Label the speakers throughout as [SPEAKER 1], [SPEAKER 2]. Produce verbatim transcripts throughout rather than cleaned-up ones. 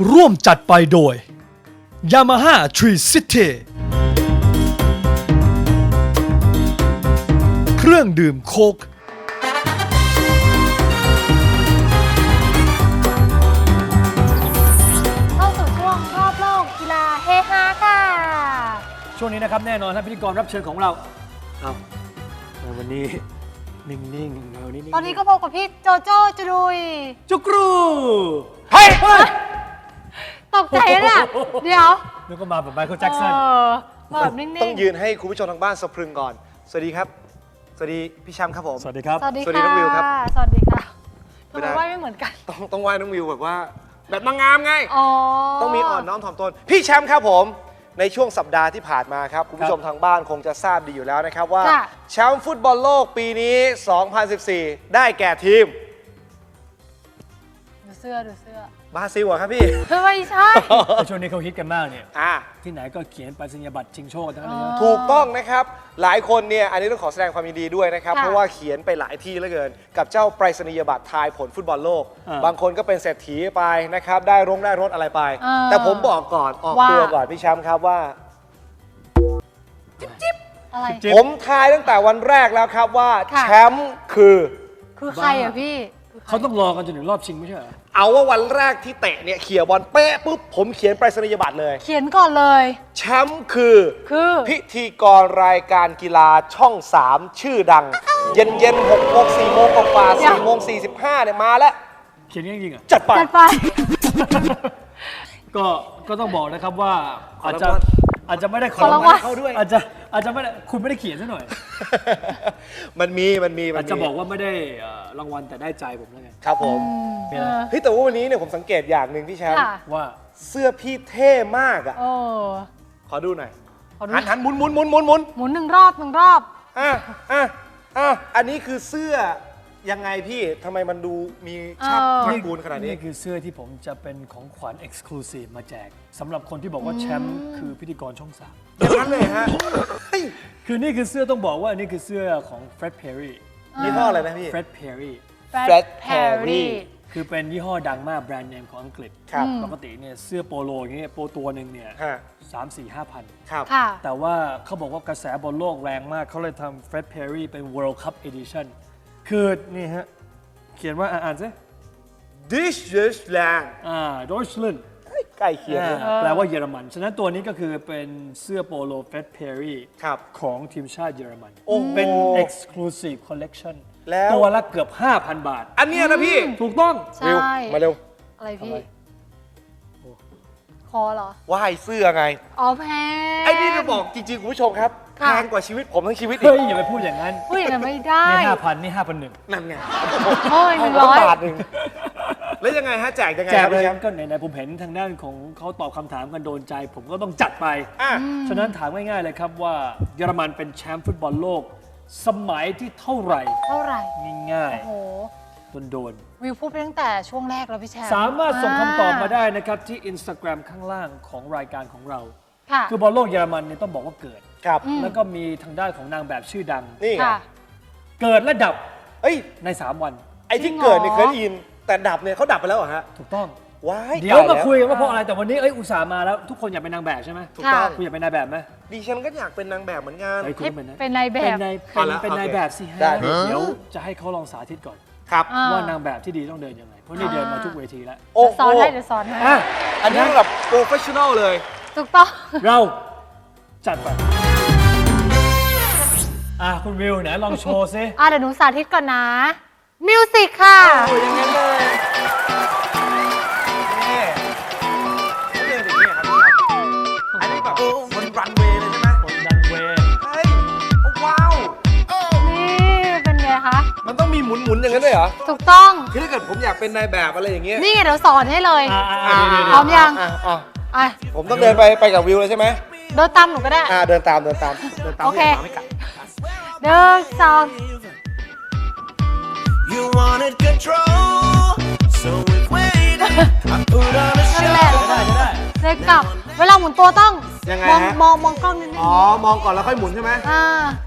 [SPEAKER 1] ร่วมจัดไปโดย Yamaha Tree City เครื่องดื่มโค้ก
[SPEAKER 2] เข้าสู่ช่วงรอบโลกกีฬาเฮฮาค่ะ
[SPEAKER 3] ช่วงนี้นะครับแน่นอนท่านพิธีกรรับเชิญของเราเอาวันนี้นิ่งๆเอานิ่งๆ
[SPEAKER 2] ตอนนี้ก็พบกับพี่โจโจ้จุรุย
[SPEAKER 3] จุกรู
[SPEAKER 2] เฮ้ยตกใจนะ เดี๋ยว
[SPEAKER 3] นึกว่ามาแบบไมเคิลแจ็คสัน
[SPEAKER 2] เออมาแบบนิ่งๆ
[SPEAKER 4] ต้องยืนให้คุณผู้ชมทางบ้านสะพรึงก่อน สวัสดีครับ สวัสดีพี่แชมป์ครับผม
[SPEAKER 3] สวัสดีครับ
[SPEAKER 2] สวัสดี
[SPEAKER 4] สวัสดี
[SPEAKER 2] ค่ะ
[SPEAKER 4] น้องวิวครับ
[SPEAKER 2] สวัสดีค่ะ
[SPEAKER 4] ไม่
[SPEAKER 2] ทำ
[SPEAKER 4] ได้
[SPEAKER 2] ไมไหวไม่เหมือนกัน
[SPEAKER 4] ต้องต้องไหว้น้องวิวแบบว่า แบบนางงามไง
[SPEAKER 2] อ๋อ
[SPEAKER 4] ต้องมีอ่อนน้อมถ่อมตน พี่แชมป์ครับผม ในช่วงสัปดาห์ที่ผ่านมาครับ คุณผู้ชมทางบ้านคงจะทราบดีอยู่แล้วนะครับว่า
[SPEAKER 2] ค่ะ
[SPEAKER 4] แชมป์ฟุตบอลโลกปีนี้ สองพันสิบสี่ ได้แก่ทีม
[SPEAKER 2] ดูเสื้อดูเสื้อบ
[SPEAKER 4] ราซิลเหรอครับพี่
[SPEAKER 2] ไม่ใช่
[SPEAKER 3] แต่ช่วงนี้เขาฮิตกันมากเนี่ย
[SPEAKER 4] อ่า
[SPEAKER 3] ที่ไหนก็เขียนไปสัญญาบัตรชิงโชคกันทั้งนั้นเลยนะ
[SPEAKER 4] ถูกต้องนะครับ หลายคนเนี่ย อันนี้ต้องขอแสดงความยินดีด้วยนะครับ
[SPEAKER 2] ค่ะ
[SPEAKER 4] เพราะว่าเขียนไปหลายที่เหลือเกิน กับเจ้าไปรษณียบัตรทายผลฟุตบอลโลก
[SPEAKER 3] อ่า
[SPEAKER 4] บางคนก็เป็นเศรษฐีไปนะครับ ได้รงได้รถอะไรไป
[SPEAKER 2] อ่า
[SPEAKER 4] แต่ผมบอกก่อน ออก
[SPEAKER 2] ว่า
[SPEAKER 4] ตัวก่อนพี่แชมป์ครับว่า
[SPEAKER 2] อะไร
[SPEAKER 3] จิ๊บ
[SPEAKER 4] ผมทายตั้งแต่วันแรกแล้วครับว่า
[SPEAKER 2] ค่ะ
[SPEAKER 4] แชมป์คือ
[SPEAKER 2] คือใครอ่ะพี่คือใคร
[SPEAKER 3] เขาต้องรอกันจนถึงรอบชิงไม่ใช่เหรอ
[SPEAKER 4] เอาว่าวันแรกที่เตะเนี่ยเขี่ยบอลเป๊ะปุ๊บผมเขียนไปรษณียบัตรเลย
[SPEAKER 2] เขียนก่อนเลย
[SPEAKER 4] แชมป์คือ
[SPEAKER 2] คือ
[SPEAKER 4] พิธีกรรายการกีฬาช่อง สาม ชื่อดัง เย็นเย็นหกโมงสี่โมงกว่าๆสี่โมงสี่สิบห้าเนี่ยมาแล้ว
[SPEAKER 3] เขียนจริงๆอ่ะ
[SPEAKER 4] จัดไป
[SPEAKER 2] จัดไป
[SPEAKER 3] ก็ก็ต้องบอกนะครับว่า
[SPEAKER 4] ขอ
[SPEAKER 3] อาจ
[SPEAKER 4] รางวัล
[SPEAKER 3] จะอาจจะไม่ได้
[SPEAKER 2] ขอรางวัล
[SPEAKER 3] เข้าด้วยอาจจะอาจจะไม่ได้คุณไม่ได้เขียนซะหน่อย
[SPEAKER 4] มันมีมันมีมั
[SPEAKER 3] อาน จ
[SPEAKER 4] มี
[SPEAKER 3] จะบอกว่าไม่ได้เอ่อรางวัลแต่ได้ใจผมแล้วไง
[SPEAKER 4] ครับผม
[SPEAKER 3] มีอะไร
[SPEAKER 4] เฮ้ยแต่ว่าวันนี้เนี่ยผมสังเกตอย่างหนึ่งพี่แชมป์
[SPEAKER 2] ค่ะ
[SPEAKER 3] ว่า
[SPEAKER 4] เสื้อพี่เท่มากอ่ะ
[SPEAKER 2] โอ้
[SPEAKER 4] ขอดูหน่อย
[SPEAKER 2] ขอดู
[SPEAKER 4] หันหันหมุนหมุนหมุนหมุนหมุน
[SPEAKER 2] หมุนหนึ่งรอบหนึ่งรอบ
[SPEAKER 4] อ่ะอ่ะอ่ะอันนี้คือเสื้อยังไงพี่ทำไมมันดูมีชาติ
[SPEAKER 2] เออ
[SPEAKER 4] ตระกูลขนาดนี้
[SPEAKER 3] นี่คือเสื้อที่ผมจะเป็นของขวัญ Exclusive มาแจกสำหรับคนที่บอกว่าแชมป์คือพิธีกรช่องสาม
[SPEAKER 4] อย่างนั้นเลยฮะเฮ้ย
[SPEAKER 3] คือนี่คือเสื้อต้องบอกว่านี่คือเสื้อของ Fred Perry
[SPEAKER 4] ยี่ห้ออะไรนะพี่
[SPEAKER 3] Fred Perry
[SPEAKER 4] Fred
[SPEAKER 2] Perry
[SPEAKER 4] Perry
[SPEAKER 3] คือเป็นยี่ห้อดังมากแบรนด์เนมของอังกฤษ
[SPEAKER 4] ครับ
[SPEAKER 3] ปกติเนี่ยเสื้อโปโลอย่างเงี้ยโปตัวหนึ่งเนี่ย
[SPEAKER 4] ฮะ
[SPEAKER 3] สามสี่ห้าพัน
[SPEAKER 4] ครับ
[SPEAKER 2] ค่ะ
[SPEAKER 3] แต่ว่าเขาบอกว่ากระแสบอลโลกแรงมาก เขาเลยทำ Fred Perry เป็น World Cup Edition คือนี่ฮะ เขียนว่าอ่านซิ
[SPEAKER 4] This is land
[SPEAKER 3] อ่า Deutschland
[SPEAKER 4] ใกล้เคียง
[SPEAKER 3] อ่า
[SPEAKER 4] เลย
[SPEAKER 3] แปลว่าเยอรมัน ฉะนั้นตัวนี้ก็คือเป็นเสื้อโปโล Fred Perry
[SPEAKER 4] ครับ
[SPEAKER 3] ของทีมชาติเยอรมัน
[SPEAKER 4] โอ้โห
[SPEAKER 3] เป็น Exclusive Collection
[SPEAKER 4] แล้ว
[SPEAKER 3] ตัวละเกือบ ห้าพัน บาท
[SPEAKER 4] อันเนี้ยนะพี่
[SPEAKER 3] ถูกต้อง
[SPEAKER 2] ใช่
[SPEAKER 4] วิวมาเร็ว
[SPEAKER 2] อะไรพี่
[SPEAKER 3] อะไร
[SPEAKER 2] คอเหรอ
[SPEAKER 4] ว่ายเสื้อไง
[SPEAKER 2] อ๋อแพง
[SPEAKER 4] ไอ้นี่จะบอกจริงๆ คุณผู้ชมครับแพ
[SPEAKER 2] ค่ะ
[SPEAKER 4] งกว่าชีวิตผมทั้งชีวิตอี
[SPEAKER 3] เฮ้ย
[SPEAKER 4] ก
[SPEAKER 3] อย่าไปพูดอย่างนั้น
[SPEAKER 2] พูดอย่างนั้นไม่ได้
[SPEAKER 3] นี่ห้าพันนี่ห้าพันหนึ่ง
[SPEAKER 4] นั่นไง
[SPEAKER 2] โอ้ยหนึ่งร้
[SPEAKER 4] ต้
[SPEAKER 2] อย
[SPEAKER 4] บาทหนึ่งแล้วยังไงฮะแจกยังไง
[SPEAKER 3] แจ
[SPEAKER 4] ค
[SPEAKER 3] ก
[SPEAKER 4] รับ
[SPEAKER 3] เลย
[SPEAKER 4] พี่แชมป์
[SPEAKER 3] ก็ไหนๆผมเห็นทางด้านของเขาตอบคำถามกันโดนใจ ผมก็ต้องจัดไป
[SPEAKER 4] อ่ะ
[SPEAKER 3] ฉะนั้นถามง่ายๆเลยครับว่าเยอรมันเป็นแชมป์ฟุตบอลโลก สมัยที่เท่าไหร่
[SPEAKER 2] เท่าไหร่
[SPEAKER 3] ง่าย
[SPEAKER 2] โอ้โห
[SPEAKER 3] ๆโดน
[SPEAKER 2] วิวพูดไปตั้งแต่ช่วงแรกแล้วพี่แชมป์
[SPEAKER 3] ๆสามารถส่งคำตอบมาได้นะครับที่ Instagram ข้างล่างของรายการของเรา
[SPEAKER 2] ค่ะ
[SPEAKER 3] คือบอลโลกเยอรมันเนี่ยต้องบอกว่าเกิด
[SPEAKER 4] ครับ
[SPEAKER 3] แล้วก็มีทางด้านของนางแบบชื่อดัง
[SPEAKER 4] นี่ไง
[SPEAKER 2] ค่ะ
[SPEAKER 3] เกิดและดับ
[SPEAKER 4] เอ้ย
[SPEAKER 3] ใน สาม วัน
[SPEAKER 4] ไอ้ที่
[SPEAKER 2] จริงเหรอ
[SPEAKER 4] เกิดเนี่ยเคยได้ยิน แต่ดับเนี่ยเขาดับไปแล้วเหรอฮะ
[SPEAKER 3] ถูกต้อง
[SPEAKER 4] ว้าย
[SPEAKER 3] เดี๋ยวมา
[SPEAKER 4] ตแล้
[SPEAKER 3] คุยกันว่าเพราะอะไรแต่วันนี้เอ้ยอุตส่าห์มาแล้วทุกคนอยากเป็นนางแบบใช่ไหม
[SPEAKER 4] ถูกต้อง
[SPEAKER 3] คุณอยากเป็นนายแบบไหม
[SPEAKER 4] ดิฉันก็อยากเป็นนางแบบเหมือนกัน
[SPEAKER 3] เฮ้ยคุณ
[SPEAKER 2] ให้
[SPEAKER 3] เป็นนะ
[SPEAKER 2] เป็นนายแบ
[SPEAKER 3] เป็น
[SPEAKER 2] บ
[SPEAKER 3] นาย
[SPEAKER 4] เอา
[SPEAKER 3] เป็น
[SPEAKER 4] ละ
[SPEAKER 3] เป็น
[SPEAKER 4] โอเค
[SPEAKER 3] นายแบบสิฮะ
[SPEAKER 4] ได้
[SPEAKER 3] เดี๋ยวจะให้เขาลองสาธิตก่อน
[SPEAKER 4] ครับ
[SPEAKER 2] อ่า
[SPEAKER 3] ว่านางแบบที่ดีต้องเดินยังไง เพราะนี่เดินมาทุกเวทีแล้ว
[SPEAKER 4] โอ้
[SPEAKER 2] เดี๋ยว
[SPEAKER 4] โห
[SPEAKER 2] สอนให้เดี๋ยวสอนให้
[SPEAKER 3] อ่ะ
[SPEAKER 4] อันนี้แบบโปรเฟชชั่นอลเลย
[SPEAKER 2] ถูกต้อง
[SPEAKER 3] เราจัดไปอ่ะคุณวิวไหนลองโชว์ซิ
[SPEAKER 2] อ่ะเดี๋ยวหนูสาธิตก่อนนะ มิวสิกค่ะ
[SPEAKER 4] โอ้ยอย่างนั้นเลยนี่เขาเดินอย่างนี้ครับพี่แชมป์อันนี้แบบบนรันเวย์เลยใช่ไหม
[SPEAKER 3] กดดันเวย์
[SPEAKER 4] เฮ้ยว้าว
[SPEAKER 2] นี่เป็นไงคะ
[SPEAKER 4] มันต้องมีหมุนๆอย่างนั้นด้วยเหรอ
[SPEAKER 2] ถูกต้อง
[SPEAKER 4] คือถ้าเกิดผมอยากเป็นนายแบบอะไรอย่างเงี้ย
[SPEAKER 2] นี่ไงเดี๋ยวสอนให้เลย
[SPEAKER 3] อ่ะอ่ะอ่ะเดี๋ยวเดี๋ยว
[SPEAKER 2] พร้อมยัง
[SPEAKER 4] อ่ะอ่ะ
[SPEAKER 2] อ่ะ
[SPEAKER 4] ผมต้องเดินไปไปกับวิวเลยใช่ไหม
[SPEAKER 2] เดินตามหนูก็ได้
[SPEAKER 4] อ่าเดินตามเดินตามเดินตาม
[SPEAKER 2] โอเค
[SPEAKER 4] ไม่ไม่กัด
[SPEAKER 2] เดินสอง
[SPEAKER 5] You wanted control, so we waited. I put on a
[SPEAKER 2] นั่น
[SPEAKER 5] show.
[SPEAKER 2] แหละ
[SPEAKER 3] ได้ได้
[SPEAKER 2] เดินกลับ เวลาหมุนตัวต้อง
[SPEAKER 4] ยังไง
[SPEAKER 2] มอง
[SPEAKER 4] ฮะ
[SPEAKER 2] มองมองกล้องนิดนึง
[SPEAKER 4] อ๋อ มองก่อนแล้วค่อยหมุนใช่ไหม
[SPEAKER 2] อ่า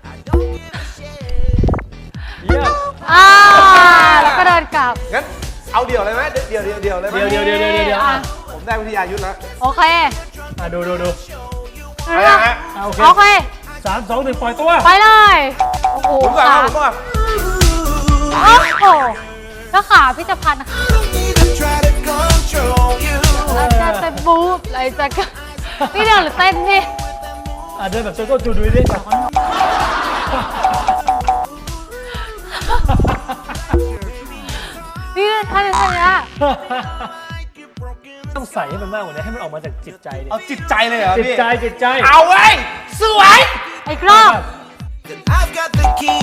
[SPEAKER 3] เยี่ยม
[SPEAKER 2] อ่าแล้วก็เดินกลับ
[SPEAKER 4] งั้นเอาเดี่ยวเลยไหมเดี่ยวเดี่ยวเดี่ยวเลยไหม
[SPEAKER 3] เดี๋ยวเดี๋ยวเดี๋ยวเดี๋ยวเดี๋ยว
[SPEAKER 2] อ่ะ
[SPEAKER 4] ผมได้วิทยายุทธแล้ว
[SPEAKER 2] โอเค
[SPEAKER 3] อ่ะดูดูดู
[SPEAKER 4] ไปยังฮะ
[SPEAKER 3] อ่ะโอเค
[SPEAKER 2] โอเค
[SPEAKER 3] สามสองหนึ่งปล่อยตัว
[SPEAKER 2] ไปเลย โอ้โห
[SPEAKER 4] ผมก่อนครับผมก่อน
[SPEAKER 2] โอ้โหแล้วขาพี่จะพัน
[SPEAKER 5] Need to try to control you.
[SPEAKER 2] แล้วจะจะบู๊อะไรจะกพี่เดินหรือเต้นพี่
[SPEAKER 3] อ่ะเดินแบบโจโจ้จูดูดิ
[SPEAKER 2] พี่เดินท่านี้ท่านี้
[SPEAKER 3] ต้องใส่ให้มันมากกว่านี้ให้มันออกมาจากจิตใจดิ
[SPEAKER 4] เอาจิตใจเลยเหรอ
[SPEAKER 3] จิต
[SPEAKER 4] พี่
[SPEAKER 3] ใจจิตใจ
[SPEAKER 4] เอาเว้ยสวย
[SPEAKER 2] อีกรอบ
[SPEAKER 5] I've got the key.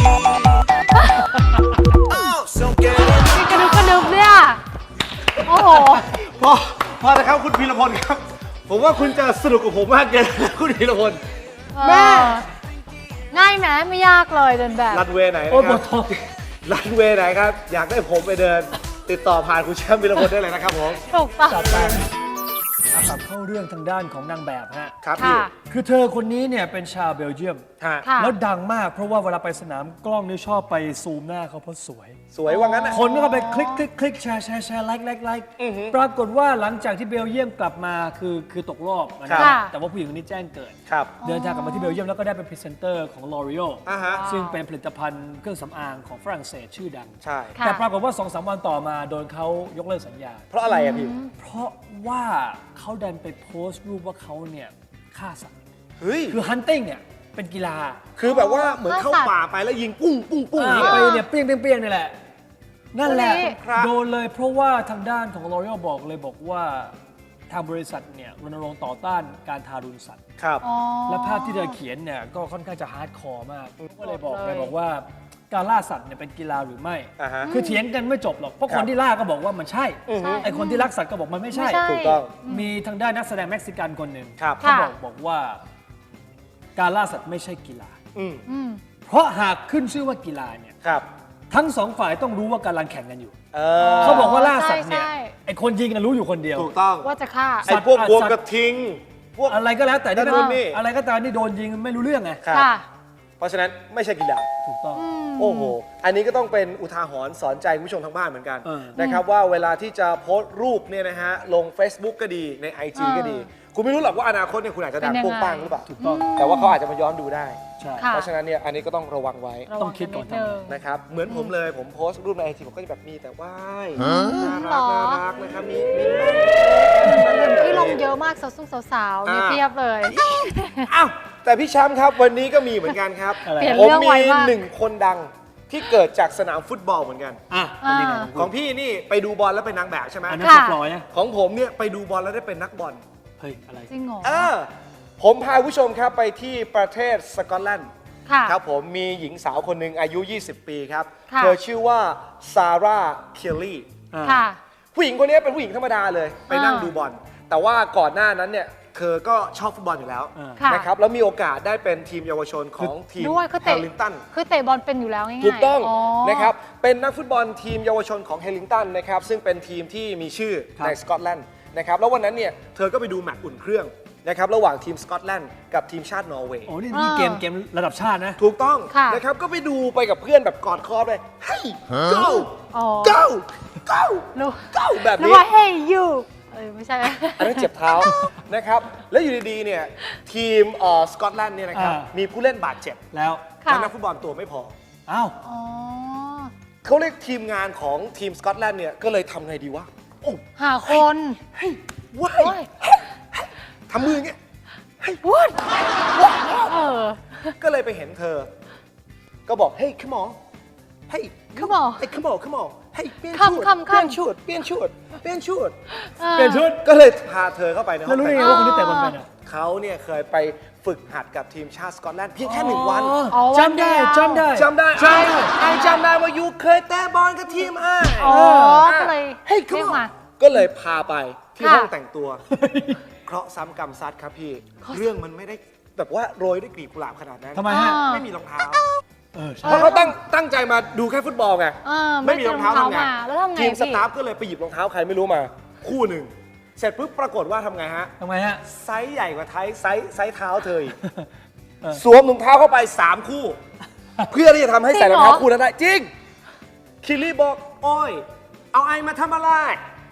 [SPEAKER 5] Oh, so get in.
[SPEAKER 2] พี่กระดึบกระดึบเนี่ยโอ้โห
[SPEAKER 4] พอพอนะครับคุณพีรพลครับ ผมว่าคุณจะสนุกกับผมมากเกินแล้วคุณพีรพล
[SPEAKER 2] แม่ง่ายไหมไม่ยากเลยเดินแบบ
[SPEAKER 4] รันเวย์ไหน
[SPEAKER 3] โอ้
[SPEAKER 4] นะ
[SPEAKER 3] ย
[SPEAKER 4] ค
[SPEAKER 3] ป
[SPEAKER 4] รั
[SPEAKER 3] ว
[SPEAKER 4] บ
[SPEAKER 3] ดท้อง
[SPEAKER 4] รันเวย์ไหนครับ อยากได้ผมไปเดิน ติดต่อผ่านคุณแชมป์พีรพลได้เลยนะครับผม
[SPEAKER 2] ถูกต้อง
[SPEAKER 3] จัดไปอ่ะกลับเข้าเรื่องทางด้านของนางแบบฮะ
[SPEAKER 4] ครับพี่
[SPEAKER 2] ค่ะ
[SPEAKER 3] คือเธอคนนี้เนี่ยเป็นชาวเบลเยียม
[SPEAKER 4] ฮะ
[SPEAKER 2] ค่ะ
[SPEAKER 3] แล้วดังมากเพราะว่าเวลาไปสนามกล้องนี่ชอบไปซูมหน้าเขาเพราะสวย
[SPEAKER 4] สวยว่างั้นนะ
[SPEAKER 3] คนก็เข้าไปคลิกคลิกคลิกแชร์แชร์แชร์ไลค์ไลค์ไลค์ปรากฏว่าหลังจากที่เบลเยียมกลับมาคือคือตกรอบนะค
[SPEAKER 4] ครั
[SPEAKER 3] รับบ แต่ว่าผู้หญิงคนนี้แจ้งเกิด
[SPEAKER 4] ครับ
[SPEAKER 3] เดินทางกลับมาที่เบลเยียมแล้วก็ได้เป็นพรีเซนเตอร์ของ L'Oreal
[SPEAKER 4] อ่าฮะ
[SPEAKER 3] ซึ่งเป็นผลิตภัณฑ์เครื่องสำอางของฝรั่งเศสชื่อดัง
[SPEAKER 4] ใช่
[SPEAKER 2] ค่ะ
[SPEAKER 3] แต่ปรากฏว่า สองสาม วันต่อมาโดนเขายกเลิกสัญญา
[SPEAKER 4] เพราะอะไรอะพี่
[SPEAKER 3] เพราะว่าเขาดันไปโพสต์รูปว่าเขาเนี่ยฆ่าสัตว์
[SPEAKER 4] เฮ้ย
[SPEAKER 3] คือ hunting เนี่ยเป็นกีฬา
[SPEAKER 4] คือแบบว่าเหมือนเข้า
[SPEAKER 2] ฆ่าสัตว์
[SPEAKER 4] ป่าไปแล้วยิงปุ้งปุ้งปุ้ง
[SPEAKER 3] อ่า
[SPEAKER 4] เนี่ย
[SPEAKER 3] ไปเนี่ยเปรี้ยงเปรี้ยงเปรี้ยงนี่แหละ นั่นแหละ
[SPEAKER 2] นี่
[SPEAKER 4] ครับ
[SPEAKER 3] โดนเลยเพราะว่าทางด้านของ L'Oreal บอกเลยบอกว่าทางบริษัทเนี่ยรณรงค์ต่อต้านการทารุณสัตว์
[SPEAKER 4] ครับ
[SPEAKER 2] อ๋อ
[SPEAKER 3] และภาพที่เธอเขียนเนี่ยก็ค่อนข้างจะฮาร์ดคอร์มากก็เลยบอก
[SPEAKER 2] เลย
[SPEAKER 3] เลยบอกว่าการล่าสัตว์เนี่ยเป็นกีฬาหรือไม่
[SPEAKER 4] อ่าฮะ
[SPEAKER 3] คือเถียงกันไม่จบหรอกเพราะ
[SPEAKER 4] ครั
[SPEAKER 3] ค
[SPEAKER 4] บ
[SPEAKER 3] นที่ล่าก็บอกว่ามันใช่
[SPEAKER 4] อือฮึ
[SPEAKER 3] ไอคนที่รักสัตว์ก็บอกมันไม่ใช่
[SPEAKER 2] ไม่ใช่
[SPEAKER 4] ถูกต้อง
[SPEAKER 3] มีทางด้านนักแสดงเม็กซิกันคนหนึ่ง
[SPEAKER 4] ครับ
[SPEAKER 3] เขา
[SPEAKER 2] ค่ะ
[SPEAKER 3] บอกบอกว่าการล่าสัตว์ไม่ใช่กีฬา
[SPEAKER 4] อืม
[SPEAKER 2] อืม
[SPEAKER 3] เพราะหากขึ้นชื่อว่ากีฬาเนี่ย
[SPEAKER 4] ครับ
[SPEAKER 3] ทั้งสองฝ่ายต้องรู้ว่ากำลังแข่งกันอยู่
[SPEAKER 4] เออ
[SPEAKER 3] เขาบอกว่าล่าสัตว์เนี่ย
[SPEAKER 2] ใช่
[SPEAKER 3] ไอคนยิงน่ะรู้อยู่คนเดียว
[SPEAKER 4] ถูกต้อง
[SPEAKER 2] ว่าจะฆ่า
[SPEAKER 4] ไอ้พวกบวมกระทิง พวก
[SPEAKER 3] อะไรก็แล้วแต่
[SPEAKER 4] นั่นนู่นนี่
[SPEAKER 3] อะไรก็ตามที่โดนยิงไม่รู้เรื่องไง
[SPEAKER 4] ครับ
[SPEAKER 2] ค่ะ
[SPEAKER 4] เพราะฉะนั้นไม่ใช่กีฬา
[SPEAKER 3] ถูกต้อง
[SPEAKER 4] โอ้โห อันนี้ก็ต้องเป็นอุทาหรณ์สอนใจคุณผู้ชมทางบ้านเหมือนกัน
[SPEAKER 3] เออ
[SPEAKER 4] นะครับว่าเวลาที่จะโพสต์รูปเนี่ยนะฮะลง Facebook ก็ดีใน ไอ จี
[SPEAKER 2] เออ
[SPEAKER 4] ก็ดี คุณไม่รู้หรอกว่าอนาคตเนี่ยคุณอาจจะดัง
[SPEAKER 2] เป็นยัง
[SPEAKER 4] โป้ง
[SPEAKER 2] ไง
[SPEAKER 4] ปังหรือเปล่า
[SPEAKER 3] ถูกต้อง
[SPEAKER 4] แต่ว่าเขาอาจจะมาย้อนดูได้
[SPEAKER 3] ใช่
[SPEAKER 2] ค่ะ
[SPEAKER 4] เพราะฉะนั้นเนี่ยอันนี้ก็ต้องระวังไว้
[SPEAKER 2] ระ
[SPEAKER 3] ต้
[SPEAKER 2] วั
[SPEAKER 3] องคิดก่อน
[SPEAKER 2] ดนึง
[SPEAKER 4] นะครับ เหมือนผมเลยผมโพสต์รูปใน ไอ จี ผมก็จะแบบมีแต่ว่ายน่า
[SPEAKER 2] หร
[SPEAKER 4] รัก
[SPEAKER 2] อ
[SPEAKER 4] น่ารักนะครับมีมีบ้าง
[SPEAKER 2] ที่ลงเยอะมากสาวๆนี่
[SPEAKER 4] อ่า
[SPEAKER 2] เพียบเลย
[SPEAKER 4] อ้าวแต่พี่แชมป์ครับวันนี้ก็มีเหมือนกันครับ
[SPEAKER 3] อะไร
[SPEAKER 2] เปลี่ยน
[SPEAKER 4] ผม
[SPEAKER 2] เรื่อง
[SPEAKER 4] มี
[SPEAKER 2] ไวมาก
[SPEAKER 4] หนึ่งคนดังที่เกิดจากสนามฟุตบอลเหมือนกัน
[SPEAKER 3] อ่ะเป็นยังไง
[SPEAKER 2] อ่า
[SPEAKER 4] ของพี่นี่ไปดูบอลแล้วเป็นนางแบบใช่ไหม
[SPEAKER 3] อันนั้น
[SPEAKER 2] ค่ะ
[SPEAKER 3] สปอยนะ
[SPEAKER 4] ของผมเนี่ยไปดูบอลแล้วได้เป็นนักบอล
[SPEAKER 3] เฮ้ยอะไร
[SPEAKER 2] จริงเหรอ
[SPEAKER 4] เออผมพาผู้ชมครับไปที่ประเทศสกอตแลนด์
[SPEAKER 2] ค่ะ
[SPEAKER 4] ครับผมมีหญิงสาวคนหนึ่งอายุ ยี่สิบ ปีครับ
[SPEAKER 2] ค่ะ
[SPEAKER 4] เธอชื่อว่าซาร่าเคลลี่
[SPEAKER 2] ค่ะ
[SPEAKER 4] ผู้หญิงคนนี้เป็นผู้หญิงธรรมดาเลย ไปนั่ง
[SPEAKER 2] อ่า
[SPEAKER 4] ดูบอล แต่ว่าก่อนหน้านั้นเนี่ยเธอก็ชอบฟุตบอลอยู่แล้ว
[SPEAKER 3] อ่า
[SPEAKER 2] ค่ะ
[SPEAKER 4] นะครับแล้วมีโอกาสได้เป็นทีมเยาวชนของทีม
[SPEAKER 2] ด้วยคือ
[SPEAKER 4] แฮ
[SPEAKER 2] เตะ
[SPEAKER 4] ลิงตัน
[SPEAKER 2] คือเตะบอลเป็นอยู่แล้วง่ายๆ
[SPEAKER 4] ถูกต้อง
[SPEAKER 2] อ๋อ
[SPEAKER 4] นะครับ เป็นนักฟุตบอลทีมเยาวชนของเฮลิงตันนะครับ ซึ่งเป็นทีมที่มีชื่อ
[SPEAKER 3] ครับ
[SPEAKER 4] ในสกอตแลนด์นะครับ แล้ววันนั้นเนี่ย เธอก็ไปดูแมตช์อุ่นเครื่องนะครับ ระหว่างทีมสกอตแลนด์กับทีมชาตินอร์เวย์
[SPEAKER 3] โอ้นี่นี่เกมเกมระดับชาตินะ
[SPEAKER 4] ถูกต้อง
[SPEAKER 2] ค่ะ
[SPEAKER 4] นะครับ ก็ไปดูไปกับเพื่อนแบบกอดคอเลย เฮ้ย go
[SPEAKER 2] อ๋อ
[SPEAKER 4] go go
[SPEAKER 2] รู้
[SPEAKER 4] go แบบ
[SPEAKER 2] รู้
[SPEAKER 4] นี้
[SPEAKER 2] ว่า hey you เอ้ยไม่ใช่
[SPEAKER 4] อันนั้นเจ็บเท้า นะครับ แล้วอยู่ดีๆ เนี่ย ทีมเอ่อสกอตแลนด์เนี่ยนะครับ
[SPEAKER 3] อ่า
[SPEAKER 4] มีผู้เล่นบาดเจ็บ
[SPEAKER 3] แล้ว
[SPEAKER 2] ค่ะ
[SPEAKER 4] และนักฟุตบอลตัวไม่พอ
[SPEAKER 3] อ้าว
[SPEAKER 2] อ๋อ
[SPEAKER 4] เขาเรียกทีมงานของทีมสกอตแลนด์เนี่ย ก็เลยทำไงดีวะ โอ้
[SPEAKER 2] หาคน
[SPEAKER 4] ว้า
[SPEAKER 2] โอ้
[SPEAKER 4] ย
[SPEAKER 2] ย
[SPEAKER 4] ทำมืออย่างเงี้ย
[SPEAKER 2] วุ้นเออ
[SPEAKER 4] ก็เลยไปเห็นเธอ ก็บอก เฮ้ย come on เฮ้ย
[SPEAKER 2] Come on
[SPEAKER 4] เฮ้ย come on come on เฮ้ยเปลี่ยน
[SPEAKER 2] Come
[SPEAKER 4] ชุด
[SPEAKER 2] come
[SPEAKER 4] เปลี่ยน
[SPEAKER 2] come
[SPEAKER 4] ชุดเปลี่ยนชุดเปลี่ยนชุด
[SPEAKER 3] เปลี่ยนชุด
[SPEAKER 4] ก็เลยพาเธอเข้าไปในห้
[SPEAKER 3] แล้
[SPEAKER 4] อ
[SPEAKER 3] ว
[SPEAKER 4] ง
[SPEAKER 3] รู้
[SPEAKER 4] แต่
[SPEAKER 3] ได้
[SPEAKER 4] ง
[SPEAKER 3] ไง
[SPEAKER 4] ตัว
[SPEAKER 3] ว่าคนที่เตะบอลเป็นอ่ะ
[SPEAKER 4] เขาเนี่ยเคยไปฝึกหัดกับทีมชาติสกอตแลนด์เพียงแค่หนึ่งวัน
[SPEAKER 2] อ๋อ
[SPEAKER 3] จำได้
[SPEAKER 2] วันเดียว
[SPEAKER 3] จำได้
[SPEAKER 4] จำได้
[SPEAKER 3] ใช่
[SPEAKER 4] ไอ้ไอ้จำได้ว่ายูเคยเตะบอลกับทีมไอ้
[SPEAKER 2] อ๋อก็เลย
[SPEAKER 4] เฮ้ย
[SPEAKER 2] เรียก
[SPEAKER 4] come
[SPEAKER 2] มา
[SPEAKER 4] on ก็เลยพาไปที่
[SPEAKER 2] ค่ะ
[SPEAKER 4] ห้องแต่งตัว เคราะห์ซ้ำกรรมซัดครับพี่ เรื่องมันไม่ได้แบบว่าโรยด้วยกลีบกุหลาบขนาดนั้น
[SPEAKER 3] ทำไมฮะ
[SPEAKER 2] อ่า
[SPEAKER 4] ไม่มีรองเท้า
[SPEAKER 3] เออใช่
[SPEAKER 4] เพราะเขาตั้งตั้งใจมาดูแค่ฟุตบอลไง
[SPEAKER 2] เออ
[SPEAKER 4] ไม่มีรองเท้าทำไง
[SPEAKER 2] มาแล้วทำไง
[SPEAKER 4] ทีมส
[SPEAKER 2] พี่
[SPEAKER 4] ตาฟก็เลยไปหยิบรองเท้าใครไม่รู้มา คู่หนึ่ง เสร็จปุ๊บปรากฏว่าทำไงฮะ
[SPEAKER 3] ทำไมฮะ
[SPEAKER 4] ไซส์ใหญ่กว่าไทยไซส์ไซส์เท้าเธออีก
[SPEAKER 3] เออ
[SPEAKER 4] สวมรองเท้าเข้าไป สาม คู่ เพื่อที่จะทำให้ใส่รองเท้าคู่นั้นได้ จริง คิลลี่บอก โอ้ย เอาไอมาทำอะไร
[SPEAKER 2] เออ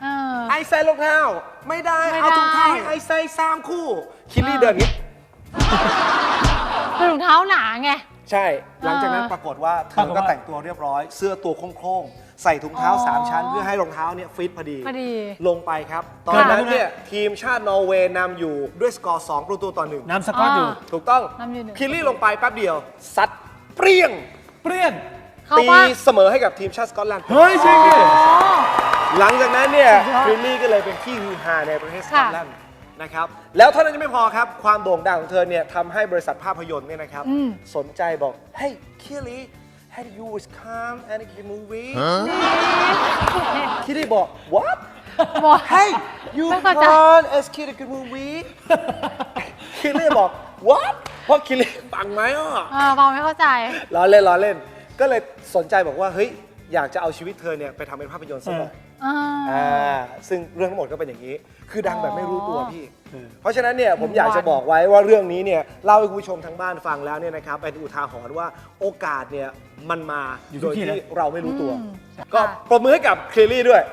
[SPEAKER 4] ไอใส่รองเท้า ไม่ได้
[SPEAKER 2] ไม่
[SPEAKER 4] เอาถุงเท้า
[SPEAKER 2] ได้
[SPEAKER 4] ให้ไอใส่สามคู่ คิลลี่เดินอย่างนี้
[SPEAKER 2] คือถุงเท้าหนาไง
[SPEAKER 4] ใช่ หลังจากนั้น
[SPEAKER 2] เออ
[SPEAKER 4] ปรากฏว่าเธอก็แต่งตัวเรียบร้อย เสื้อตัวโค้งๆ ใส่ถุงเท้า
[SPEAKER 2] อ๋อ
[SPEAKER 4] สามชั้น เพื่อให้รองเท้าเนี่ยฟิตพอดี
[SPEAKER 2] พอดี
[SPEAKER 4] ลงไปครับ ตอนนั้นเนี่ยทีมชาตินอร์เวย์นำอยู่ด้วยสกอร์สองประตูต่อหนึ่ง
[SPEAKER 3] น้ำสก๊อตอยู่
[SPEAKER 2] อ่า
[SPEAKER 4] ถูกต้อง
[SPEAKER 2] นำอยู่หนึ่ง
[SPEAKER 4] คิลลี่ลงไปแป๊บเดียว ซัดเปรี้ยง
[SPEAKER 3] เปรี้ยง
[SPEAKER 2] เขา
[SPEAKER 4] ตี
[SPEAKER 2] ว่า
[SPEAKER 4] เสมอให้กับทีมชาติสกอตแลนด์
[SPEAKER 3] เฮ้ยจริงดิ
[SPEAKER 4] หลังจากนั้นเนี่ย
[SPEAKER 2] สุดยอด
[SPEAKER 4] คิลลี่ก็เลยเป็นที่ฮือฮาในประเทศสกอ
[SPEAKER 2] ค่ะ
[SPEAKER 4] ตแลนด์นะครับ แล้วเท่านั้นยังไม่พอครับ ความโด่งดังของเธอเนี่ยทำให้บริษัทภาพยนตร์เนี่ยนะครับ
[SPEAKER 2] อืม
[SPEAKER 4] สนใจบอก Hey Kelly had you was come and a movie คิลลี่บอก What
[SPEAKER 2] บอก
[SPEAKER 4] Hey you
[SPEAKER 2] ไม่เข้าใจ
[SPEAKER 4] can't as kid a good movie คิลลี่บอก What เพราะคิลลี่ฟังไหมอ่ะ
[SPEAKER 2] เออฟังไม่เข้าใจ
[SPEAKER 4] ล้อเล่นล้อเล่น ก็เลยสนใจบอกว่า เฮ้ย อยากจะเอาชีวิตเธอเนี่ยไปทำเป็นภาพยนตร์สักหน่อย
[SPEAKER 2] อ่า
[SPEAKER 4] อ่าซึ่งเรื่องทั้งหมดก็เป็นอย่างนี้ คือดังแบบไม่รู้ตัวพี่
[SPEAKER 3] เออ
[SPEAKER 4] เพราะฉะนั้นเนี่ยผมอยากจะบอกไว้ว่าเรื่องนี้เนี่ยเล่าให้คุณผู้ชมทางบ้านฟังแล้วเนี่ยนะครับเป็นอุทาหรณ์ว่าโอกาสเนี่ยมันมา
[SPEAKER 3] อยู่
[SPEAKER 4] โด
[SPEAKER 3] ที่
[SPEAKER 4] ย
[SPEAKER 3] ที่
[SPEAKER 4] ที่
[SPEAKER 3] นะ
[SPEAKER 4] เราไม่รู้ตัว
[SPEAKER 2] อืม
[SPEAKER 4] ก็
[SPEAKER 2] ค่ะ
[SPEAKER 4] ปรบมือให้กับเคลลี่ด้วย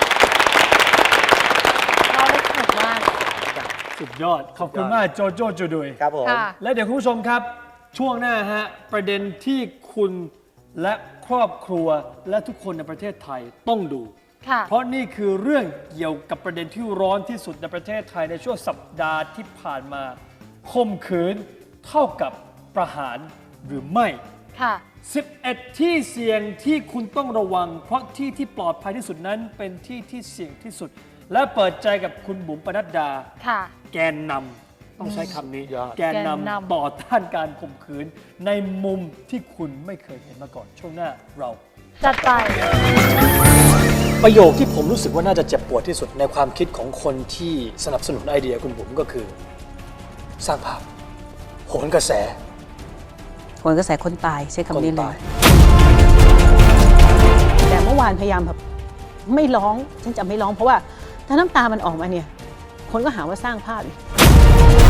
[SPEAKER 2] เราได้สนุกมาก
[SPEAKER 3] สุดยอด ขอบคุณมากโจโจจูดุย
[SPEAKER 4] ครับผม
[SPEAKER 2] ค่ะ
[SPEAKER 3] และเดี๋ยวคุณผู้ชมครับช่วงหน้าฮะประเด็นที่คุณและครอบครัวและทุกคนในประเทศไทยต้องดู
[SPEAKER 2] ค่ะ
[SPEAKER 3] เพราะนี่คือเรื่องเกี่ยวกับประเด็นที่ร้อนที่สุดในประเทศไทยในช่วงสัปดาห์ที่ผ่านมาข่มขืนเท่ากับประหารหรือไม่
[SPEAKER 2] ค่ะ
[SPEAKER 3] สิบเอ็ด ที่เสี่ยงที่คุณต้องระวัง เพราะที่ที่ปลอดภัยที่สุดนั้นเป็นที่ที่เสี่ยงที่สุด และเปิดใจกับคุณบุ๋มปนัดดา
[SPEAKER 2] ค่ะ
[SPEAKER 3] แกนนำต้องใช้คำนี้
[SPEAKER 4] ยอด
[SPEAKER 3] แกน
[SPEAKER 2] แกน
[SPEAKER 3] นำ
[SPEAKER 2] นำ
[SPEAKER 3] ต่อต้านการข่มขืนในมุมที่คุณไม่เคยเห็นมาก่อน ช่วงหน้าเรา
[SPEAKER 2] จัดไป
[SPEAKER 1] ประโยคที่ผมรู้สึกว่าน่าจะเจ็บปวดที่สุดในความคิดของคนที่สนับสนุนไอเดียคุณบุ๋มก็คือ สร้างภาพ โหนกระแส
[SPEAKER 6] ผลกระแสคนตายใช้
[SPEAKER 1] คน
[SPEAKER 6] คำนี้เล
[SPEAKER 1] ตาย
[SPEAKER 6] ย แต่เมื่อวานพยายามแบบไม่ร้องฉันจะไม่ร้องเพราะว่าถ้าน้ำตามันออกมาเนี่ย คนก็หาว่าสร้างภาพอีก